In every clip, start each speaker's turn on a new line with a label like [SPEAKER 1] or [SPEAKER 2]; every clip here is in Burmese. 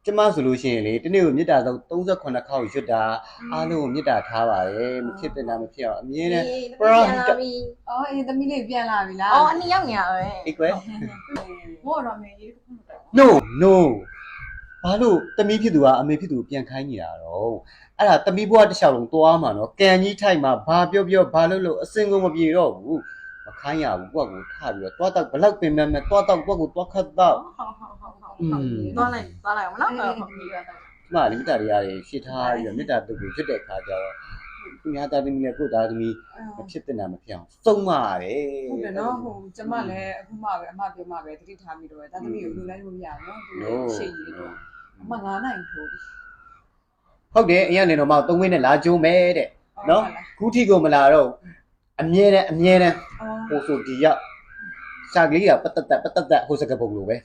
[SPEAKER 1] ကျမဆိုလို့ရှိရင်လေတနေ့ကိုမေတ္တာဆုံး38ခေါက်ရွတ်တာအားလုံးကိုမေတ္တာထားပါတယ်မဖြစ်တဲ့နာမဖြစ်အောင်အမြဲတမ်းပရာ
[SPEAKER 2] အော်အေးသမီးလေးပြန်လာပြီလား
[SPEAKER 3] အော်အနည်းရောက်နေရပဲ
[SPEAKER 1] အေးကွယ်
[SPEAKER 2] ဘောတော့မေရေး
[SPEAKER 1] no ဘာလို့တမီးဖြစ်သူကအမေဖြစ်သူပြန်ခိုင်းနေတာတော့အဲ့ဒါတမီးဘွားတစ်လျှောက်လုံးတွားမှာနော်ကန်ကြီးထိုက်မှာဘာပြောဘာလို့အစင်ကုန်မပြေတော့ဘူးမခိုင်းရဘူးကိုယ့်ကိုထားပြီးတော့တွားတော့ဘလောက်ပင်မဲ့တွားတော့ကိုယ့်ကိုတွားခတ်တော့
[SPEAKER 3] သွားလိုက်အောင်နော်
[SPEAKER 1] ဒီမှာလေမေတ္တာတရားတွေရှင်းထားပြီးတော့မေတ္တာတုတ်ကိုဖြစ်တဲ့ခါကျတော့သူများသားသမီးနဲ့ကိုယ့်သားသမီးမဖြစ်တဲ့နာမဖြစ်အောင်စုံမရတယ်
[SPEAKER 2] ဟုတ်တယ်နော်ဟိုကျမလည်းအခုမှပဲအမပြောမှပဲတတိထားပြီးတော့သားသမီးကိုလူလိုက်လို့မရဘူးနော်ရှိရတော့အမ9နိုင်ထိုး
[SPEAKER 1] ဟုတ်တယ်အရင်ကနေတော့မှ3ဝင်းနဲ့လာကြိုးမယ်တဲ့နော်ခုထိကိုမလာတော့အမြဲတမ်းဟိုဆိုဒီရောက်စာကလေးကပတ်သက်ဟိုစကပုံလိုပဲ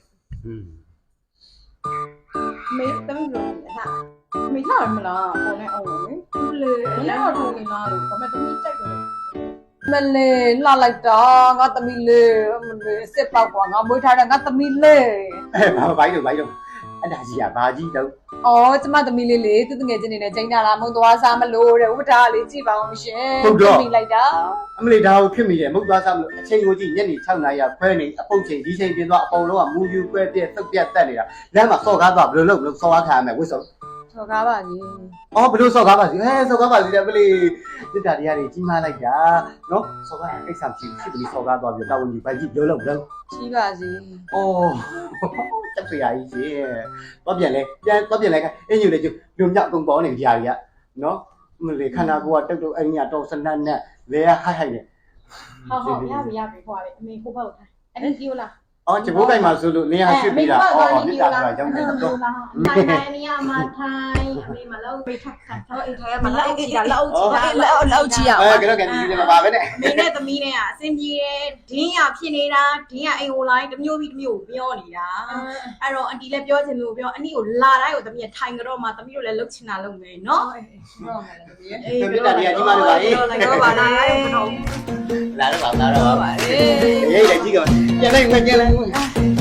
[SPEAKER 3] မေသမီးလို့ဟာ
[SPEAKER 2] မေထားရမလားပေါ်နေအောင်လေ
[SPEAKER 3] လေလည်းတော့ထိုးနေလားလို့ဒါပေမဲ့သမီးကြိုက်တယ်
[SPEAKER 2] မလေးလှလိုက်တာငါသမီးလေးမလေးစစ်ပေါက်ကွာငါမွေးထားတဲ့ငါသမီးလေး
[SPEAKER 1] ဘိုင်းတော့အဲ့ဒါကြီးကဘာကြီးတော့
[SPEAKER 2] အော်ကျမသမီးလေးလေသူတငယ်ချင်းနေနဲ့ချိန်တာလားမုံသွားစားမလို့တဲ့ဥပဒါလေးကြည့်ပါအောင်ရှင်သမီးလိုက်တာ
[SPEAKER 1] အမလေးဒါကိုဖြစ်မိတယ်မုံသွားစားမလို့အချိန်ကိုကြည့်ညနေ6နာရီခွဲနေအပုတ်ချိန်ဒီချိန်ပြင်သွားအပေါ်လုံးကမူယူခွဲပြက်သုတ်ပြက်တက်နေတာလမ်းမှာစော်ကားသွားဘယ်လိုလုပ်စော်ကားခံရမယ်ဝစ်စော်
[SPEAKER 2] စော်ကားပါကြီး
[SPEAKER 1] အော်ဘယ်လိုစော်ကားပါစီစော်ကားပါစီတယ်မလေးတိတ္တာတရားတွေကြီးမားလိုက်တာနော်စော်ကားအိတ်ဆောင်ကြည့်ဖြစ်ပြီးစော်ကားသွားပြီးတာဝန်ကြီးဘာကြီးပြောလို့
[SPEAKER 2] ကြီးပါစီ
[SPEAKER 1] အော်တက်ပြရာကြီးရှင်တော့ပြန်လဲအင်းယူလေကျလူမြောက်အကုန်ပေါ်နေကြရာကြီးကနော်မလေးခန္ဓာကိုယ်ကတုတ်အင်းညတော့စနတ်နဲ့လဲဟိုက်နေ
[SPEAKER 3] ဟုတ်ရပြီခွာလေအမေကိုပေါ့ထိုင်အဲ့ဒီကြီးလား
[SPEAKER 1] အော်ကျဘိုးကိုင်မှာဆိုလို့နေရာရွှေ့ပြီးတာအော်မြစ်တာဆိုတာရောက်နေတော့
[SPEAKER 3] ထိုင်နေရမှာထိုင်အမေမလောက်ပိတ်ခတ်တော့အိမ်ထဲမှာလောက်ကြည့်တာလောက်ကြည့်
[SPEAKER 1] အောင်ကတော့ကန်ဒီမှာပါပဲနဲ့
[SPEAKER 3] အမေနဲ့သမီးနဲ့ကအစင်ပြေတယ်ဒင်းရဖြစ်နေတာဒင်းရအိမ်ဟိုလိုင်းတစ်မျိုးပြီးတစ်မျိုးပြောနေတာအဲ့တော့အန်တီလည်းပြောချင်လို့ပြောအနည်းကိုလာတိုင်းကိုသမီးထိုင်ကြတော့မှသမီးတို့လည်းလှုပ်ချင်တာလုပ်မယ်နော်
[SPEAKER 2] ဟုတ်မယ်သမီး
[SPEAKER 1] အေးပြောတာဒီကကြီးမလို့ပါလေ
[SPEAKER 3] လိုက်တော့ပါလား
[SPEAKER 1] လာတော့ပါရေးတယ်ကြီးကပြန်လိုက်